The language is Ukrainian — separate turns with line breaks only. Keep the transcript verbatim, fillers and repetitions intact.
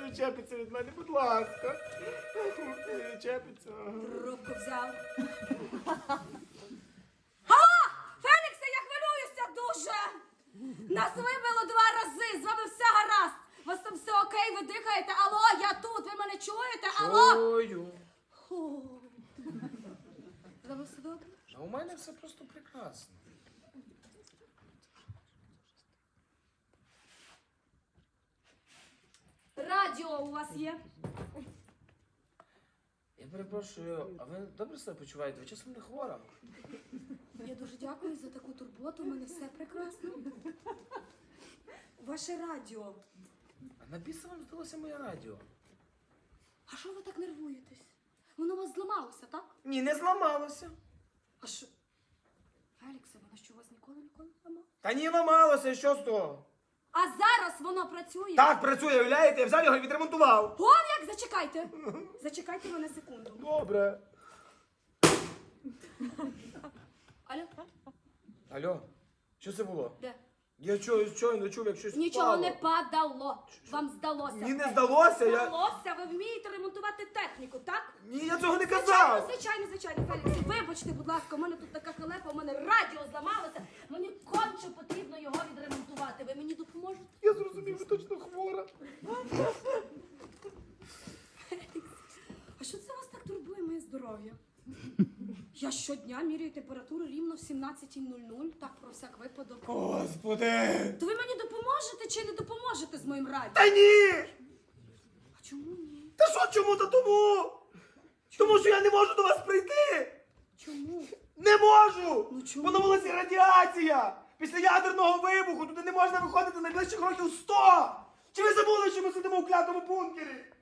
відчепиться від мене, будь ласка. Не відчепиться.
Трубку взяв. Алло! Феліксе, я хвилююся дуже! Нас вибило два рази, з вами все гаразд. У вас там все окей, ви дихаєте? Алло, я тут, ви мене чуєте? Алло!
Чую.
Фу. З вами все добре?
А у мене все просто прекрасно.
Радіо у вас є?
Я перепрошую, а ви добре себе почуваєте? Ви часом не хвора?
Я дуже дякую за таку турботу, у мене все прекрасно. Ваше радіо.
А на біса вам здалося моє радіо?
А що ви так нервуєтесь? Воно у вас зламалося, так?
Ні, не зламалося.
А що? Феліксе, воно що у вас ніколи ніколи не ламало?
Та ні, ламалося, що з того?
А зараз воно працює?
Так, працює, уявляєте? Я взяв його і відремонтував.
Вон як, зачекайте. Зачекайте мене секунду.
Добре.
Алло,
Алло, що це було?
де?
Я чую, щойно чув, як щось
Нічого
впало.
не падало. Вам здалося.
Мені не здалося, я...
Здалося, ви вмієте ремонтувати техніку, так?
Ні, я цього не
Звичайно,
казав.
звичайно, звичайно, Фелікс. Вибачте, будь ласка, у мене тут така халепа, у мене радіо зламалося. Мені конче потрібно його відремонтувати. Ви мені допоможете?
Я зрозумів, ви точно хвора.
А що це вас так турбує моє здоров'я? Я щодня міряю температуру рівно в сімнадцятій нуль нуль, так про всяк випадок.
Господи.
То ви мені допоможете чи не допоможете з моїм радіо?
Та ні!
А чому ні?
Та що чому та тому? Тому що я не можу до вас прийти.
Чому?
Не можу!
Ну чому?
Бо на вулиці радіація! Після ядерного вибуху туди не можна виходити найближчих років сто! Чи ви забули, що ми сидимо у клятому бункері?